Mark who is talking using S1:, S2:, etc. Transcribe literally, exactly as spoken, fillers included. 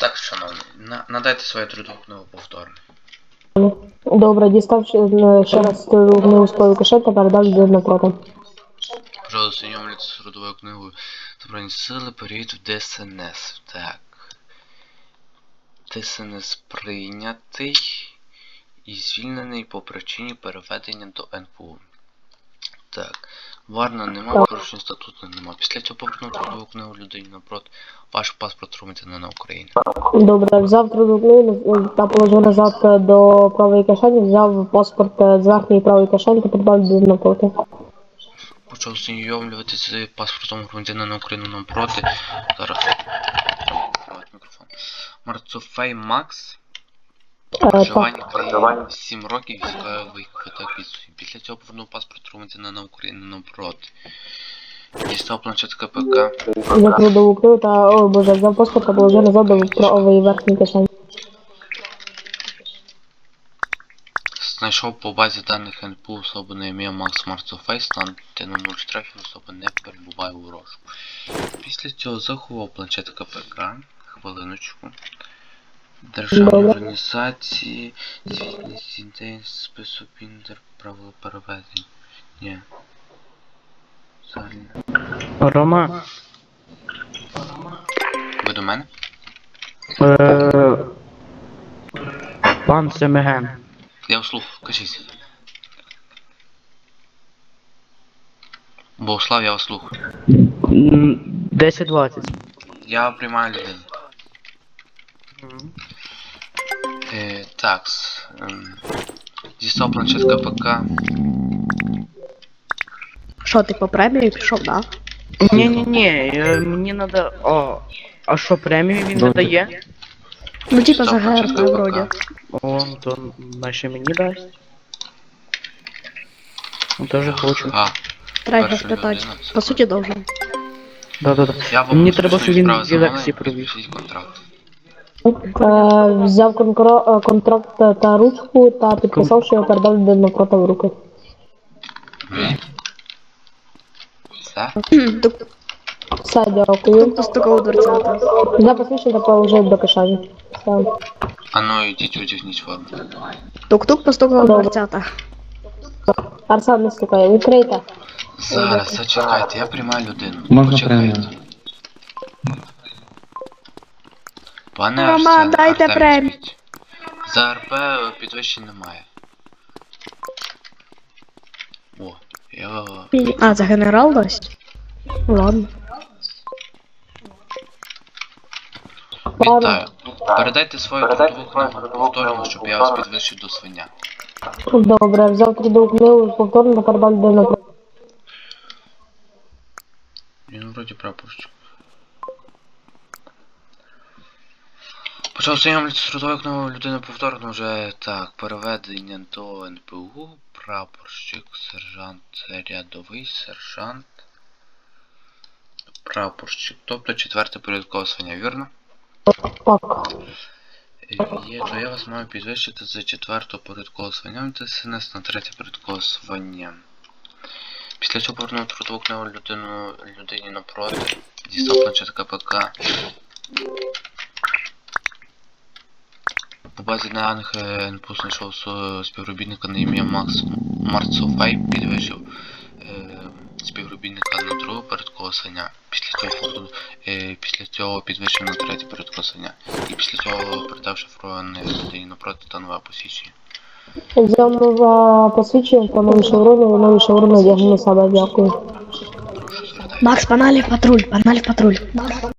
S1: Так, шановний, на, надайте свою трудову книгу повторно.
S2: Добре, дістав ще ще раз трудову книгу з правої кишені та передав людині напроти.
S1: Пожалуйста, знайомляться з трудовою книгою. Збройні сили, перейдуть в ДСНС. Так. ДСНС прийнятий і звільнений по причині переведення до ен пе у. Так. Варна нема, порушень статуту нема. Після цього повернув трудову книгу людині напроти. Ваш паспорт громадянина на Україні.
S2: Добре, взяв трудову книгу та положив назад до правої кишені, взяв паспорт з верхньої правої кишені та передав людині напроти.
S1: Почав знайомлюватися з паспортом громадянина України напроти. Зараз. Мікрофон. Марцофей Макс. Проживання в країні сім років, військовий квиток відсутній. Після цього повернув паспорт громадянина України напроти. Дістав планшет ка пе ка.
S2: Взяв трудову книгу та, ой боже, взяв паспорт та положив назад до правої верхньої кишені.
S1: Знайшов по базі даних ен пе у особу на ім'я Макс Марцофей, стан та номер штрафів, особа не перебуває у розшуку. Після цього заховав планшет ка пе ка. Хвилиночку. Державні організації, звітність ідей, список інтер, правила переведення. Ні. Загальне.
S3: Рома.
S1: Ви до мене?
S3: Е, Пан Семеген.
S1: Я вслух, кажіть. Богослав, я вас слухаю.
S3: десять двадцять.
S1: Я приймаю людину. Е, так, ем, дістав планшет ка пе ка.
S4: Що, ти по премії пішов, да?
S3: Ні-ні-ні, е, мені надо... О, а що, премію він не дає?
S4: Ну типа за
S1: Дістав планшет
S4: ГР,
S1: ка пе ка.
S4: вроді.
S3: О, то наче мені дасть. Ну, теж хочу.
S1: А,
S4: Треба
S1: перша
S4: спитати.
S1: людина, це
S4: По суті, должен.
S3: Да-да-да.
S1: я вам
S3: Мені
S1: розписую
S3: треба, щоб він
S1: справи
S3: в лекції
S1: замовлення,
S3: провів.
S1: підпишіть контракт.
S2: Е, взяв конкро- е, контракт та ручку та підписав, що я передав людині напроти в руки.
S1: Все?
S2: Все, дякую.
S4: Постукав дверцята.
S2: Взяв посвідчення та положив до кишені. Все.
S1: А ну йдіть одягніть форму.
S4: Тук-тук постукав дверцята.
S2: Арсен не стукає, відкрийте.
S1: Зараз, зачекайте, я приймаю людину.
S5: Можна
S1: Почекайте. Пане
S4: Роман,
S1: Арсен,
S4: дайте
S1: Артем,
S4: премію.
S1: візьміть. За ар пе підвищень немає. О, я...
S4: А, це генерал дасть? Ладно.
S1: Вітаю. Передайте свою трудову книгу повторно, щоб я вас підвищив до свиня.
S2: Добре, взяв трудову книгу повторно та передав людині напроти.
S1: Він вроді прапорщик. Почав знайомитися з трудовою книгою людини повторно вже так. Переведення до ен пе у, прапорщик, сержант, рядовий, сержант, прапорщик. Тобто четверте порядкове звання, вірно?
S2: Так.
S1: Є, то я вас маю підвищити з четвертого порядкового звання ді ес ен ес на третє порядкове звання. Після цього повернув трудову книгу людину, людині напроти, дістав планшет ка пе ка. По базі даних ен пе у знайшов співробітника на ім'я Макс Марцофей, підвищив е, співробітника на друге порядкове звання. Після цього, е, після цього підвищив на третє порядкове звання. І після цього передав шифрований людині напроти та нове посвідчення.
S2: Взяв нове посвідчення та нові шеврони, нові шеврони одягнув на себе, дякую.
S1: Прошу звертати.
S4: Макс, погнали в патруль, погнали в патруль.